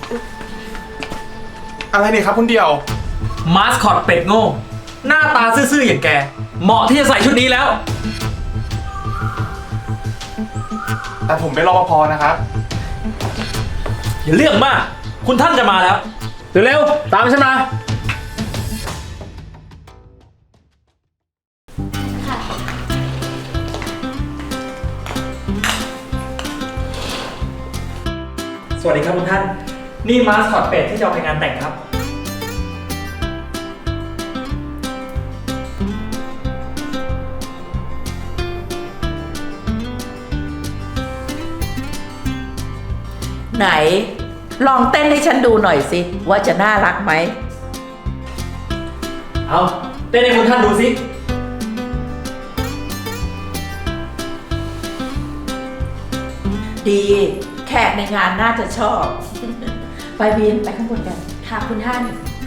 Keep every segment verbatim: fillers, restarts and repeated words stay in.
อะไรเนี่ยครับคุณเดียวมาสคอตเป็ดโง่หน้าตาซื่อๆอย่างแกเหมาะที่จะใส่ชุดนี้แล้วแต่ผมเป็นรปภนะครับอย่าเรื่องมากคุณท่านจะมาแล้วเร็วๆตามฉันมาสวัสดีครับคุณท่านนี่มาสคอตเป็ดที่จะเอาไปงานแต่งครับไหนลองเต้นให้ฉันดูหน่อยสิว่าจะน่ารักไหมเอาเต้นให้คุณท่านดูสิดีแขกในงานน่าจะชอบ ไปบีนไปข้างบนกันค่ะคุณท่าน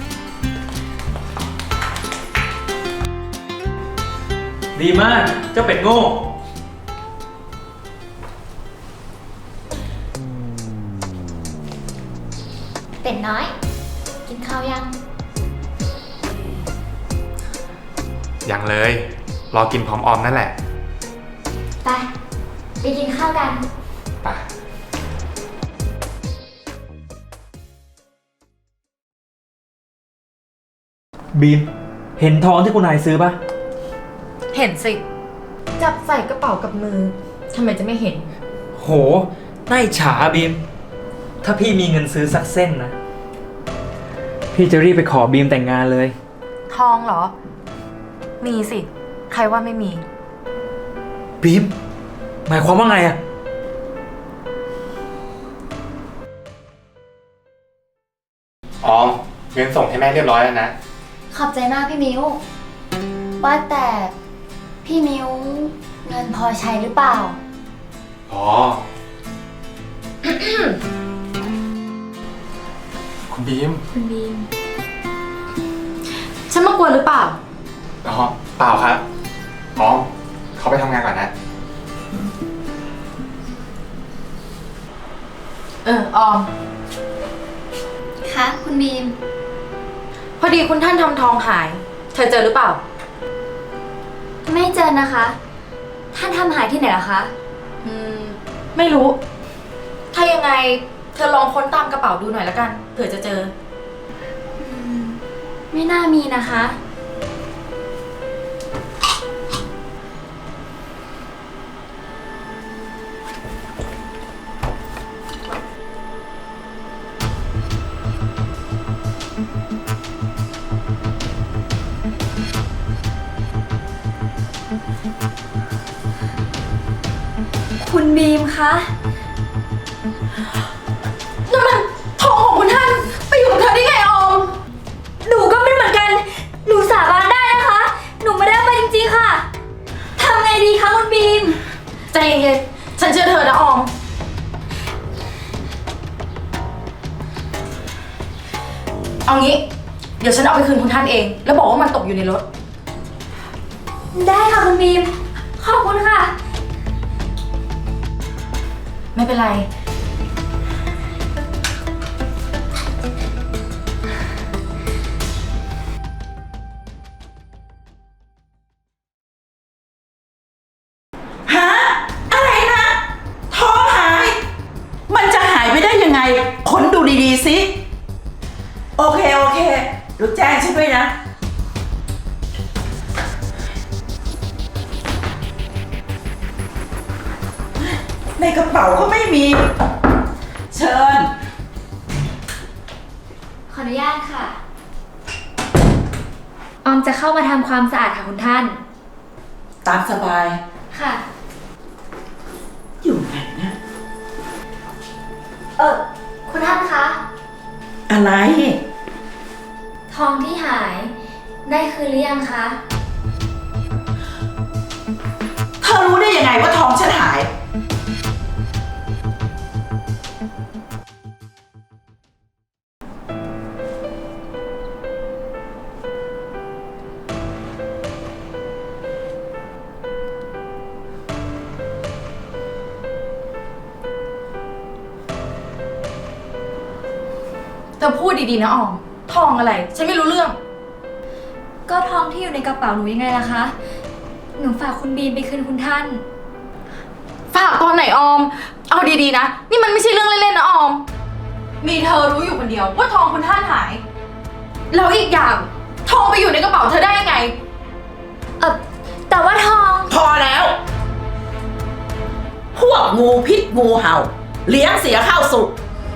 ดีมากเจ้าเป็ดโง่เป็ดน้อย กินข้าวยังยังเลย รอกินพร้อมออมนั่นแหละไป ไปกินข้าวกันไปบีมเห็นทองที่คุณนายซื้อปะเห็นสิ จับใส่กระเป๋ากับมือ ทำไมจะไม่เห็นโหน่าอิจฉาบีมถ้าพี่มีเงินซื้อสักเส้นนะพี่จะรีบไปขอบีมแต่งงานเลยทองเหรอ มีสิ ใครว่าไม่มีบีมหมายความว่าไงอะออมเงินส่งให้แม่เรียบร้อยแล้วนะขอบใจมากพี่มิวว่าแต่พี่มิวเงินพอใช้หรือเปล่าพอ คุณบีมคุณบีมฉันมากวนหรือเปล่าอ๋อเปล่าครับออมเขาไปทำงานก่อนนะเออ ออมคะคุณบีมพอดีคุณท่านทำทองหาย เธอเจอหรือเปล่าไม่เจอนะคะ ท่านทำหายที่ไหนล่ะคะอืม ไม่รู้ ถ้ายังไง เธอลองค้นตามกระเป๋าดูหน่อยละกัน เผื่อจะเจอไม่น่ามีนะคะ คุณบีมคะนั่นมันทองของคุณท่าน ไปอยู่กับเธอได้ไงออมหนูก็ไม่เหมือนกัน หนูสาบานได้นะคะ หนูไม่ได้เอาไปจริงๆค่ะ ทำไงดีคะคุณบีมใจเย็นๆฉันเชื่อเธอนะออม เอางี้ เดี๋ยวฉันเอาไปคืนคุณท่านเอง แล้วบอกว่ามันตกอยู่ในรถได้ค่ะคุณบีม ขอบคุณค่ะไม่เป็นไรฮะอะไรนะท้องหาย มันจะหายไปได้ยังไงค้นดูดีๆสิโอเคโอเคดูแจ้งฉันด้วยนะในกระเป๋าก็ไม่มี เชิญขออนุญาตค่ะ ออมจะเข้ามาทำความสะอาดค่ะคุณท่านตามสบายค่ะอยู่ไหนนะเออคุณท่านคะอะไรทองที่หาย ได้คืนหรือยังคะเธอรู้ได้ยังไงว่าท้องฉันหายเธอพูดดีๆนะออม ทองอะไร ฉันไม่รู้เรื่องก็ทองที่อยู่ในกระเป๋าหนูยังไงล่ะคะ หนูฝากคุณบีมไปคืนคุณท่านฝากตอนไหนออม เอาดีๆนะ นี่มันไม่ใช่เรื่องเล่นๆนะออม มีเธอรู้อยู่คนเดียวว่าทองคุณท่านหาย แล้วอีกอย่างทองไปอยู่ในกระเป๋าเธอได้ยังไงเออแต่ว่าทองพอแล้ว พวกงูพิษงูเห่า เลี้ยงเสียข้าวสุก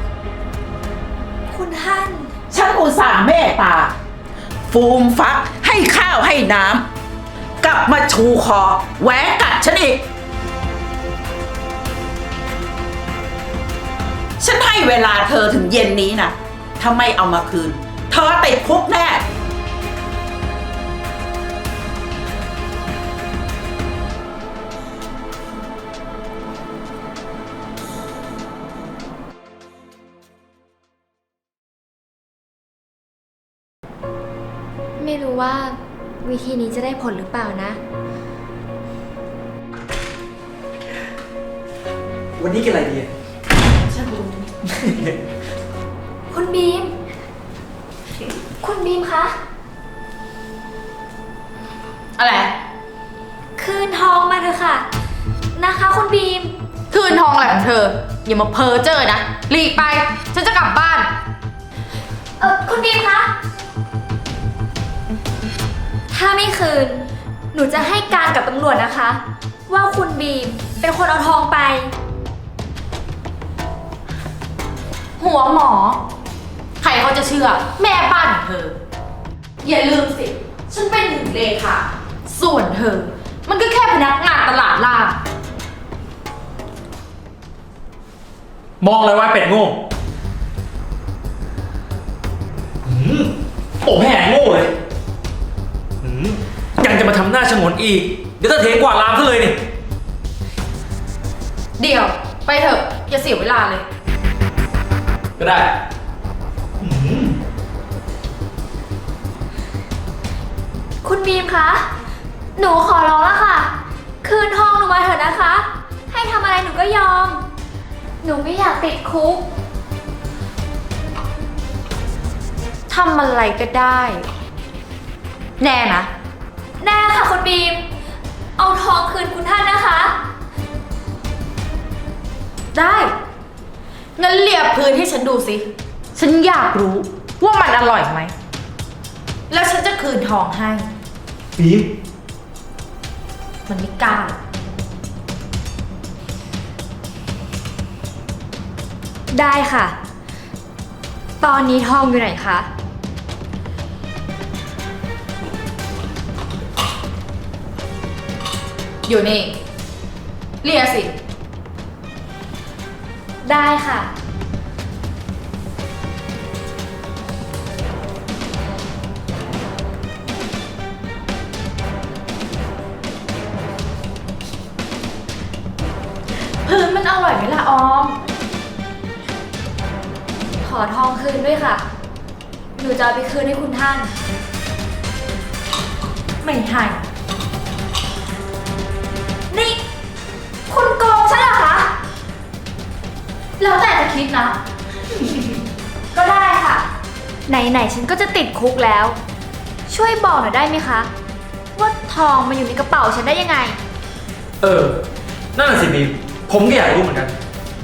คุณท่านฉันอุตส่าห์เมตตา ฟูมฟักให้ข้าวให้น้ำกลับมาชูคอแหวะกัดฉันอีก ฉันให้เวลาเธอถึงเย็นนี้นะถ้าไม่เอามาคืน เธอติดคุกแน่ไม่รู้ว่าวิธีนี้จะได้ผลหรือเปล่านะวันนี้กินอะไรดีอะฉันรู้คุณบีม คุณบีมคะอะไรคืนทองมาเถอะค่ะ นะคะคุณบีมคืนทองอะไรของเธอ อย่ามาเพ้อเจ้อนะหลีกไป ฉันจะกลับบ้านเออคุณบีมคะ ถ้าไม่คืน หนูจะให้การกับตำรวจนะคะ ว่าคุณบีมเป็นคนเอาทองไปหัวหมอ ใครเขาจะเชื่อ แม่บ้านของเธอ อย่าลืมสิ ฉันเป็นหนึ่งเลขาส่วนเธอ มันก็แค่พนักงานตลาดล่างมองเลยว่าเป็ดโง่หืมโอ้แห่โง่เลยหืมยังจะมาทำหน้าฉงนอีก เดี๋ยวถ้าเทกวาดลามซะเลยนี่เดี๋ยว ไปเถอะ อย่าเสียเวลาเลยก็ได้หืมคุณบีมคะ หนูขอร้องแล้วค่ะ คืนทองหนูมาเถอะนะคะ ให้ทำอะไรหนูก็ยอม หนูไม่อยากติดคุกทำอะไรก็ได้ แน่นะแน่ค่ะคุณบีม เอาทองคืนคุณท่านนะคะได้ งั้นเลียพื้นให้ฉันดูสิ ฉันอยากรู้ว่ามันอร่อยไหม แล้วฉันจะคืนทองให้บีมมันไม่กล้าได้ค่ะ ตอนนี้ทองอยู่ไหนคะอยู่นี่ เลียสิได้ค่ะพื้นมันอร่อยไหมล่ะออมขอทองคืนด้วยค่ะ หนูจะเอาไปคืนให้คุณท่านไม่ให้นี่ คุณโกงฉันเหรอคะแล้วแต่จะคิดนะก็ได้ค่ะ ไหนๆฉันก็จะติดคุกแล้ว ช่วยบอกหน่อยได้ไหมคะ ว่าทองมาอยู่ในกระเป๋าฉันได้ยังไงเออ นั่นน่ะสิบีม ผมก็อยากรู้เหมือนกัน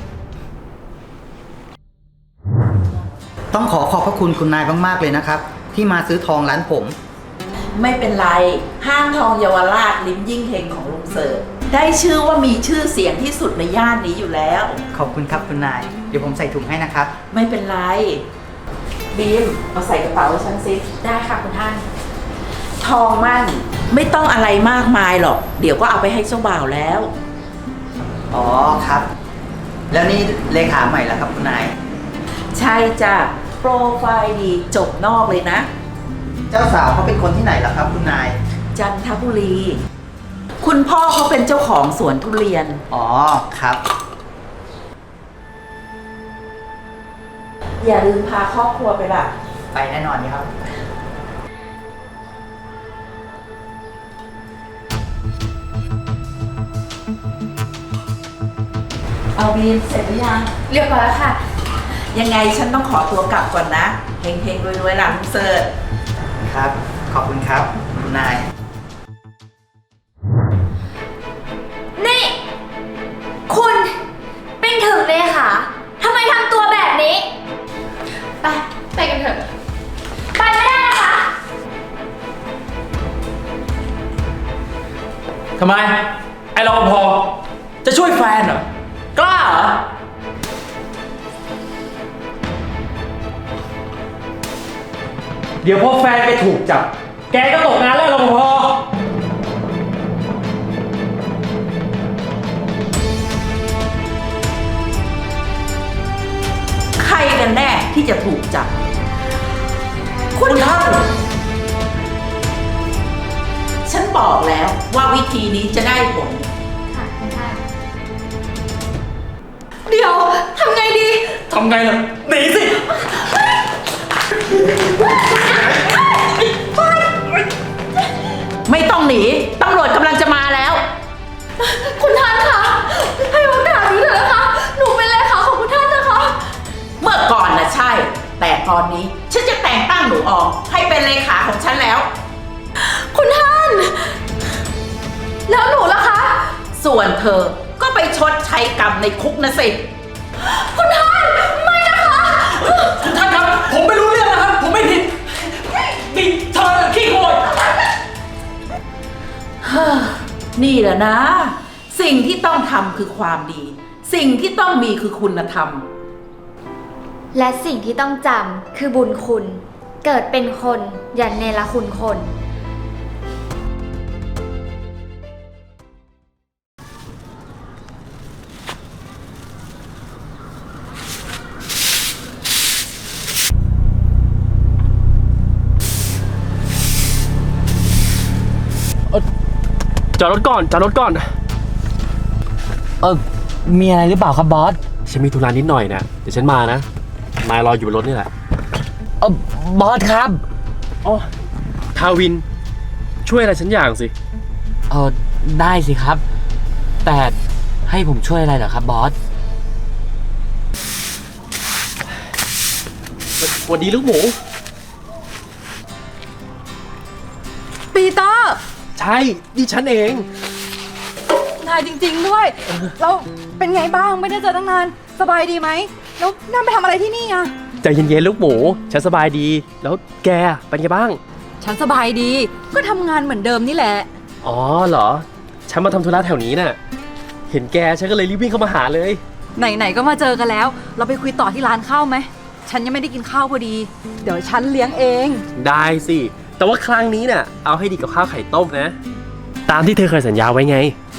ต้องขอขอบพระคุณคุณนายมาก ๆ เลยนะครับ ที่มาซื้อทองร้านผมไม่เป็นไร ห้างทองเยาวราชลิ้มยิ่งเฮงของลุงเสิร์ชได้ชื่อว่ามีชื่อเสียงที่สุดในย่านนี้อยู่แล้วขอบคุณครับคุณนาย เดี๋ยวผมใส่ถุงให้นะครับไม่เป็นไร บีมเอาใส่กระเป๋าให้ฉันสิได้ค่ะคุณท่านทองมั่นไม่ต้องอะไรมากมายหรอก เดี๋ยวก็เอาไปให้เจ้าบ่าวแล้วอ๋อครับ แล้วนี่เลขาใหม่แล้วครับคุณนายใช่จ้ะ โปรไฟล์ดีจบนอกเลยนะเจ้าสาวเขาเป็นคนที่ไหนล่ะครับคุณนายจันทบุรี คุณพ่อเขาเป็นเจ้าของสวนทุเรียนอ๋อครับอย่าลืมพาครอบครัวไปล่ะไปแน่นอนครับเอาบีมเสร็จหรือยังเรียบร้อยแล้วค่ะยังไงฉันต้องขอตัวกลับก่อนนะเฮงๆรวยๆหลังเสิร์ชครับ ขอบคุณครับคุณนายนี่ คุณเป็นถึงเลยค่ะทำไมทำตัวแบบนี้ไป ไปกันเถอะไปไม่ได้นะคะทำไม ไอ้รปภจะช่วยแฟนเหรอ กล้าเหรอ เดี๋ยวพอแฟนไปถูกจับ แกก็ตกงานแล้วรปภใครกันแน่ที่จะถูกจับคุณท่านฉันบอกแล้วว่าวิธีนี้จะได้ผลค่ะคุณท่านเดี๋ยว ทำไงดีทำไงล่ะ หนีสิไม่ต้องหนีตำรวจกำลังจะมาแล้วคุณท่านคะ ให้โอกาสหนูเถอะนะคะ หนูเป็นเลขาของคุณท่านนะคะเมื่อก่อนนะใช่ แต่ตอนนี้ฉันจะแต่งตั้งหนูออกให้เป็นเลขาของฉันแล้วคุณท่าน แล้วหนูล่ะคะส่วนเธอก็ไปชดใช้กรรมในคุกนะสิคุณท่าน ไม่นะคะคุณท่านครับ ผมไม่รู้เรื่องนะครับ ผมไม่ผิดนี่เธอขี้โกยเฮ้อนี่แหละนะ สิ่งที่ต้องทำคือความดี สิ่งที่ต้องมีคือคุณธรรมและสิ่งที่ต้องจำคือบุญคุณ เกิดเป็นคนอย่าเนรคุณคนจอดรถก่อนจอดรถก่อนเออมีอะไรหรือเปล่าครับบอสฉันมีธุระนิดหน่อยนะเดี๋ยวฉันมานะนายรออยู่บนรถนี่แหละเออบอสครับอ๋อทาวิน ช่วยอะไรฉันอย่างสิเออได้สิครับ แต่ให้ผมช่วยอะไรเหรอครับบอสสวัสดีลูกหมูปีเตอร์ใช่ดิฉันเองนายจริง ๆ ด้วย แล้วเป็นไงบ้าง ไม่ได้เจอตั้งนาน สบายดีไหม แล้วนั่นไปทำอะไรที่นี่อะใจเย็นๆลูกหมู ฉันสบายดี แล้วแกเป็นไงบ้างฉันสบายดี ก็ทำงานเหมือนเดิมนี่แหละอ๋อเหรอ ฉันมาทำธุระแถวนี้น่ะ เห็นแกฉันก็เลยรีบวิ่งเข้ามาหาเลยไหน ๆ ก็มาเจอกันแล้ว เราไปคุยต่อที่ร้านข้าวไหม ฉันยังไม่ได้กินข้าวพอดี เดี๋ยวฉันเลี้ยงเองได้สิ แต่ว่าครั้งนี้น่ะ เอาให้ดีกับข้าวไข่ต้มนะ ตามที่เธอเคยสัญญาไว้ไง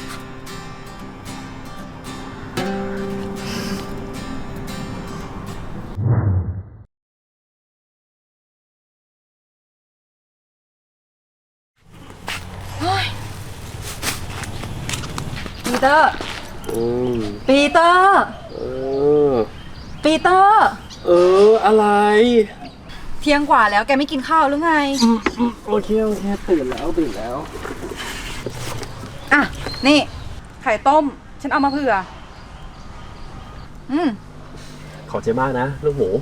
ปีเตอร์อืมปีเตอร์เออปีเตอร์เออ อะไรเที่ยงกว่าแล้วแกไม่กินข้าวหรือไงโอเค โอเค ตื่นแล้วตื่นแล้วอ่ะ นี่ ไข่ต้ม ฉันเอามาเผื่อ อืมขอบใจมากนะ ลูกหมู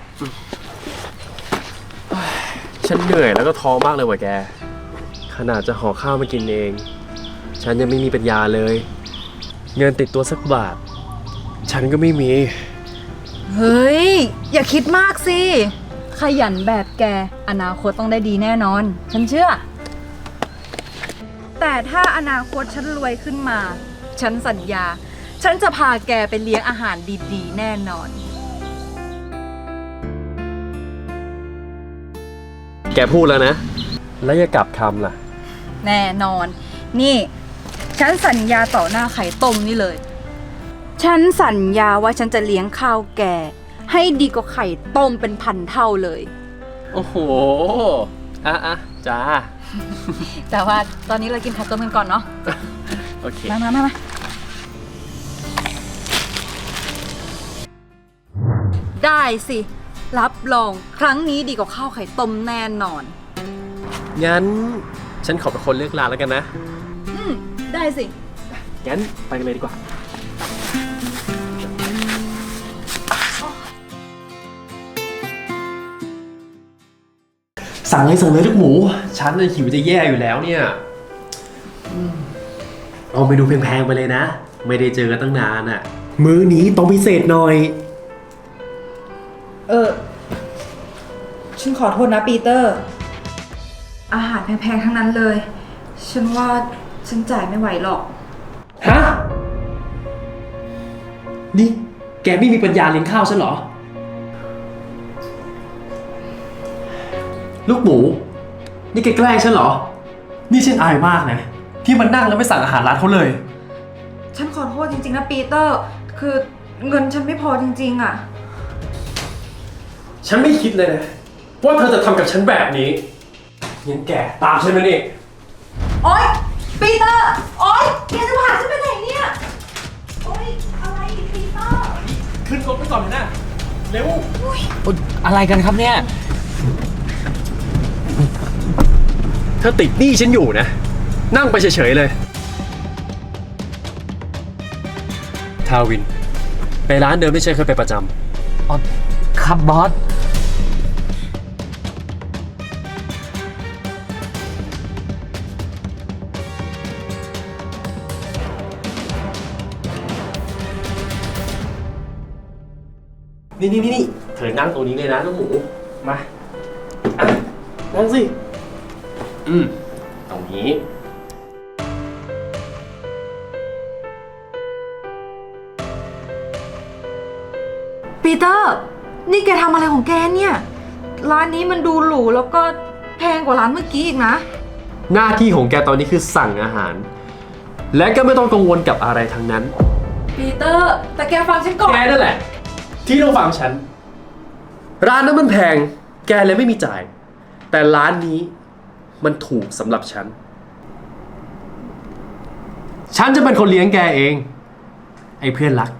ฉันเหนื่อยแล้วก็ท้อมากเลยว่ะแก ขนาดจะห่อข้าวมากินเอง ฉันยังไม่มีปัญญาเลย เงินติดตัวสักบาท ฉันก็ไม่มีเฮ้ย อย่าคิดมากสิ ขยันแบบแก อนาคตต้องได้ดีแน่นอน ฉันเชื่อ แต่ถ้าอนาคตฉันรวยขึ้นมา ฉันสัญญา ฉันจะพาแกไปเลี้ยงอาหารดีๆ แน่นอนแกพูดแล้วนะ แล้วอย่ากลับคำล่ะแน่นอน นี่ ฉันสัญญาต่อหน้าไข่ต้มนี่เลย ฉันสัญญาว่าฉันจะเลี้ยงข้าวแก ให้ดีกว่าไข่ต้มเป็นพันเท่าเลยโอ้โห อ่ะอ่ะจ้าแต่ว่าตอนนี้เรากินไข่ต้มกันก่อนเนาะโอเคมามามามาได้สิ รับรองครั้งนี้ดีกว่าข้าวไข่ต้มแน่นอนงั้น ฉันขอเป็นคนเลือกร้านแล้วกันนะอืม ได้สิงั้นไปกันเลยดีกว่าสั่งเลยสั่งเลยลูกหมู ฉันน่ะหิวจะแย่อยู่แล้วเนี่ยอืมเอาเมนูแพงๆไปเลยนะ ไม่ได้เจอกันตั้งนานอ่ะ มื้อนี้ต้องพิเศษหน่อยเออ ฉันขอโทษนะปีเตอร์ อาหารแพงๆทั้งนั้นเลย ฉันว่าฉันจ่ายไม่ไหวหรอกฮะ นี่แกไม่มีปัญญาเลี้ยงข้าวฉันเหรอ ลูกหมู นี่แกแกล้งฉันเหรอ นี่ฉันอายมากนะที่มันนั่งแล้วไม่สั่งอาหารร้านเขาเลยฉันขอโทษจริงๆนะปีเตอร์ คือเงินฉันไม่พอจริงๆอ่ะฉันไม่คิดเลยนะว่าเธอจะทำกับฉันแบบนี้งั้นแกตามฉันมานี่โอ๊ยปีเตอร์ โอ๊ยแกจะพาฉันไปไหนเนี่ย โอ๊ยอะไรปีเตอร์ขึ้นรถไปก่อนนะ เร็วอะไรกันครับเนี่ยเธอติดหนี้ฉันอยู่นะ นั่งไปเฉยๆเลย ทาวิน ไปร้านเดิมที่ฉันเคยไปประจำอ๋อ ครับบอสนี่นี่นี่เธอนั่งตรงนี้เลยนะลูกหมู มาอ่ะนั่งสิ อืม ตรงนี้ปีเตอร์ นี่แกทำอะไรของแกเนี่ย ร้านนี้มันดูหรูแล้วก็แพงกว่าร้านเมื่อกี้อีกนะหน้าที่ของแกตอนนี้คือสั่งอาหาร และก็ไม่ต้องกังวลกับอะไรทั้งนั้นปีเตอร์ แต่แกฟังฉันก่อนแกนั่นแหละ ที่ต้องฟังฉัน ร้านนั้นมันแพง แกเลยไม่มีจ่าย แต่ร้านนี้มันถูกสำหรับฉัน ฉันจะเป็นคนเลี้ยงแกเอง ไอ้เพื่อนรัก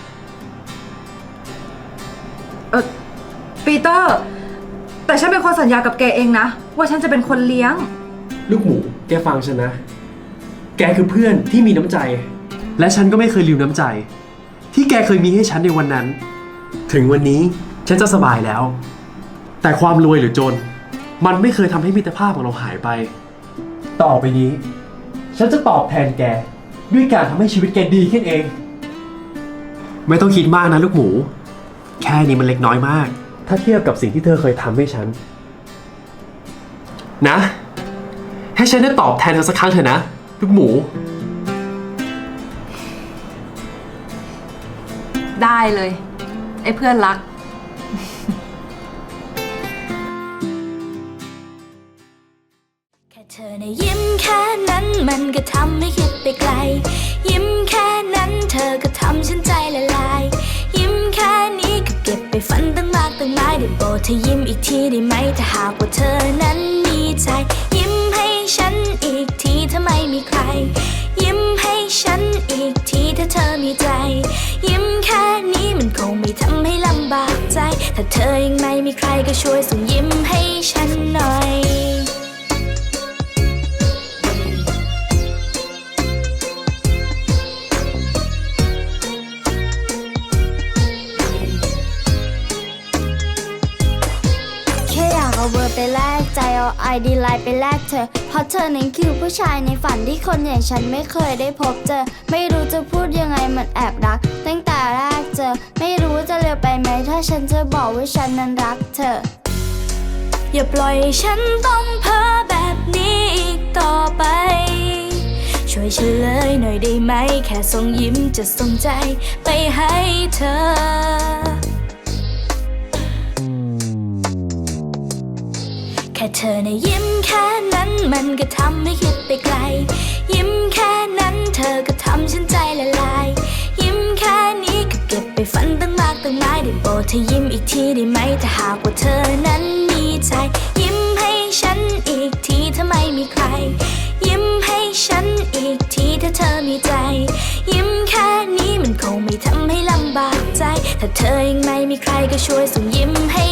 เออปีเตอร์ แต่ฉันเป็นคนสัญญากับแกเองนะ ว่าฉันจะเป็นคนเลี้ยงลูกหมู แกฟังฉันนะ แกคือเพื่อนที่มีน้ำใจ และฉันก็ไม่เคยลืมน้ำใจ ที่แกเคยมีให้ฉันในวันนั้น ถึงวันนี้ฉันจะสบายแล้ว แต่ความรวยหรือจน มันไม่เคยทำให้มิตรภาพของเราหายไป ต่อไปนี้ ฉันจะตอบแทนแก ด้วยการทำให้ชีวิตแกดีขึ้นเอง ไม่ต้องคิดมากนะลูกหมู แค่นี้มันเล็กน้อยมาก ถ้าเทียบกับสิ่งที่เธอเคยทำให้ฉัน นะ ให้ฉันได้ตอบแทนเธอสักครั้งเถอะนะ ลูกหมูได้เลย ไอ้เพื่อนรักแค่เธอในะยิ้มแค่นั้นมันก็ทำให้คิดไปไกล ยิ้มแค่นั้นเธอก็ทำฉันใจละลาย ยิ้มแค่นี้ก็เก็บไปฝันตั้งมากตั้งหลายได้โปรดเธอยิ้มอีกทีได้ไหมถ้าหากว่าเธอนั้นมีใจ ยิ้มให้ฉันอีกทีถ้าไม่มีใคร ยิ้มให้ฉันอีกทีถ้าเธอมีใจ ยิ้มแค่นี้มันคงไม่ทำให้ลำบากใจ ถ้าเธอยังไม่มีใครก็ช่วยส่งยิ้มให้ฉันหน่อย แค่อยากเอาเบอร์ไปแลกใจเอาไอดีไลน์ไปแลกเธอเพราะเธอนั้นคือผู้ชายในฝันที่คนอย่างฉันไม่เคยได้พบเจอไม่รู้จะพูดยังไงมันแอบรักตั้งแต่แรกเจอไม่รู้จะเร็วไปไหมถ้าฉันจะบอกว่าฉันนั้นรักเธออย่าปล่อยให้ฉันต้องเพ้อแบบนี้อีกต่อไปช่วยเฉลยหน่อยได้ไหมแค่ส่งยิ้มจะส่งใจไปให้เธอแค่เธอในะยิ้มแค่นั้นมันก็ทำให้คิดไปไกล ยิ้มแค่นั้นเธอก็ทำฉันใจละลาย ยิ้มแค่นี้ก็เก็บไปฝันตั้งมากตั้งหลายได้โปรดเธอยิ้มอีกทีได้ไหมถ้าหากว่าเธอนั้นมีใจ ยิ้มให้ฉันอีกทีถ้าไม่มีใคร ยิ้มให้ฉันอีกทีถ้าเธอมีใจ ยิ้มแค่นี้มันคงไม่ทำให้ลำบากใจ ถ้าเธอยังไม่มีใครก็ช่วยส่งยิ้มให้